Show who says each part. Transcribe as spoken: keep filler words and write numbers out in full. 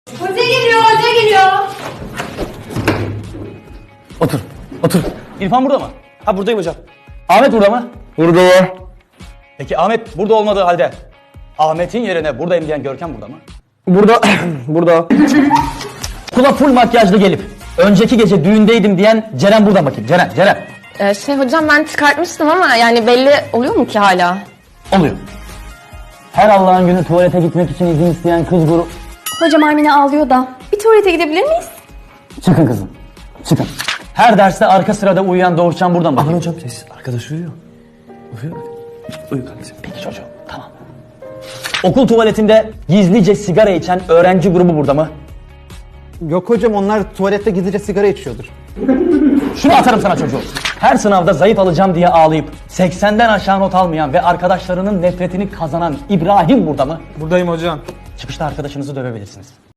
Speaker 1: Hoca geliyor, hoca geliyor.
Speaker 2: Otur, otur. İrfan burada mı?
Speaker 3: Ha buradayım hocam.
Speaker 2: Ahmet burada mı?
Speaker 3: Burada var.
Speaker 2: Peki Ahmet burada olmadığı halde Ahmet'in yerine buradayım diyen Görkem burada mı?
Speaker 3: Burada. Burada.
Speaker 2: Kula full makyajlı gelip önceki gece düğündeydim diyen Ceren burada mı bakayım? Ceren, Ceren.
Speaker 4: Ee, şey hocam ben çıkartmıştım ama yani belli oluyor mu ki hala?
Speaker 2: Oluyor. Her Allah'ın günü tuvalete gitmek için izin isteyen kız grubu...
Speaker 1: Hocam Armine ağlıyor da. Bir tuvalete gidebilir miyiz?
Speaker 2: Çıkın kızım, çıkın. Her derste arka sırada uyuyan Doğuşcan burada mı
Speaker 3: Aman
Speaker 2: bakayım?
Speaker 3: hocam sessiz. Arkadaş uyuyor. Uyuyor. Uyu kardeşim.
Speaker 2: Peki çocuğum, tamam. Okul tuvaletinde gizlice sigara içen öğrenci grubu burada mı?
Speaker 5: Yok hocam, onlar tuvalette gizlice sigara içiyordur.
Speaker 2: Şunu atarım sana çocuğum. Her sınavda zayıf alacağım diye ağlayıp seksenden aşağı not almayan ve arkadaşlarının nefretini kazanan İbrahim burada mı?
Speaker 5: Buradayım hocam.
Speaker 2: Çıkışta arkadaşınızı dövebilirsiniz.